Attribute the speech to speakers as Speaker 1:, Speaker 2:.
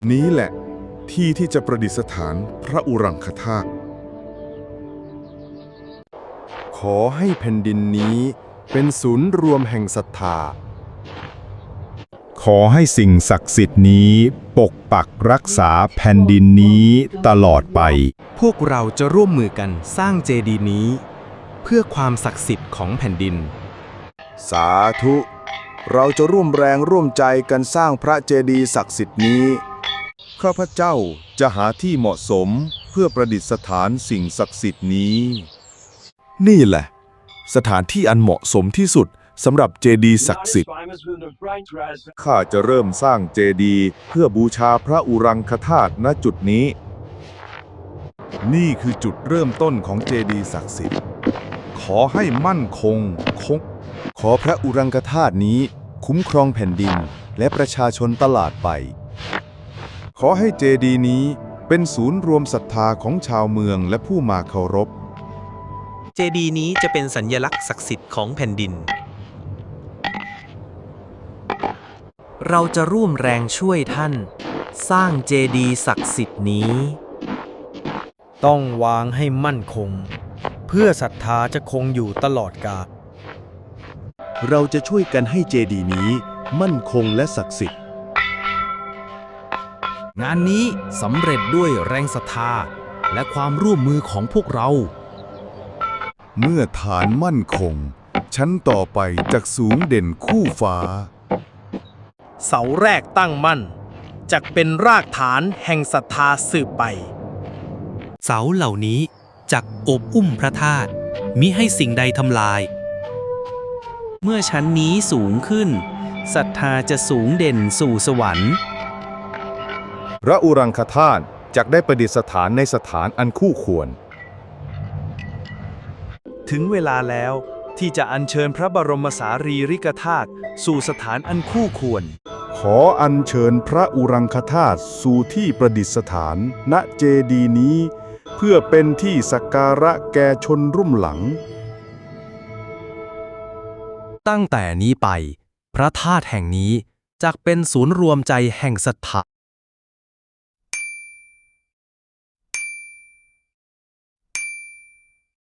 Speaker 1: นี้แหละที่ที่จะประดิษฐานพระอุรังคธาตุขอให้แผ่นดินนี้เป็นศูนย์รวมแห่งศรัทธาขอให้สิ่งศักดิ์สิทธิ์นี้ปกปักรักษาแผ่นดินนี้ตลอดไป
Speaker 2: พวกเราจะร่วมมือกันสร้างเจดีย์นี้เพื่อความศักดิ์สิทธิ์ของแผ่นดิน
Speaker 1: สาธุเราจะร่วมแรงร่วมใจกันสร้างพระเจดีย์ศักดิ์สิทธิ์นี้ข้าพเจ้าจะหาที่เหมาะสมเพื่อประดิษฐานสิ่งศักดิ์สิทธิ์นี้นี่แหละสถานที่อันเหมาะสมที่สุดสำหรับเจดีย์ศักดิ์สิทธิ์ข้าจะเริ่มสร้างเจดีย์เพื่อบูชาพระอุรังคธาตุณจุดนี้นี่คือจุดเริ่มต้นของเจดีย์ศักดิ์สิทธิ์ขอให้มั่นคงขอพระอุรังคธาตุนี้คุ้มครองแผ่นดินและประชาชนตลอดไปขอให้เจดีย์นี้เป็นศูนย์รวมศรัทธาของชาวเมืองและผู้มาเคารพ
Speaker 3: เจดีย์นี้จะเป็นสัญลักษณ์ศักดิ์สิทธิ์ของแผ่นดิน
Speaker 4: เราจะร่วมแรงช่วยท่านสร้างเจดีย์ศักดิ์สิทธิ์นี้
Speaker 5: ต้องวางให้มั่นคงเพื่อศรัทธาจะคงอยู่ตลอดกาล
Speaker 1: เราจะช่วยกันให้เจดีย์นี้มั่นคงและศักดิ์สิทธิ์
Speaker 2: งานนี้สำเร็จด้วยแรงศรัทธาและความร่วมมือของพวกเรา
Speaker 1: เมื่อฐานมั่นคงชั้นต่อไปจากสูงเด่นคู่ฟ้า
Speaker 5: เสาแรกตั้งมั่นจักเป็นรากฐานแห่งศรัทธาสืบไป
Speaker 3: เสาเหล่านี้จักโอบอุ้มพระธาตุมิให้สิ่งใดทำลายเมื่อชั้นนี้สูงขึ้นศรัทธาจะสูงเด่นสู่สวรรค์
Speaker 1: พระอุรังคธาตุจักได้ประดิษฐานในสถานอันคู่ควร
Speaker 5: ถึงเวลาแล้วที่จะอัญเชิญพระบรมสารีริกธาตุสู่สถานอันคู่ควร
Speaker 1: ขออัญเชิญพระอุรังคธาตุสู่ที่ประดิษฐานณเจดีย์นี้เพื่อเป็นที่สักการะแก่ชนรุ่นหลัง
Speaker 2: ตั้งแต่นี้ไปพระธาตุแห่งนี้จักเป็นศูนย์รวมใจแห่งศรัทธา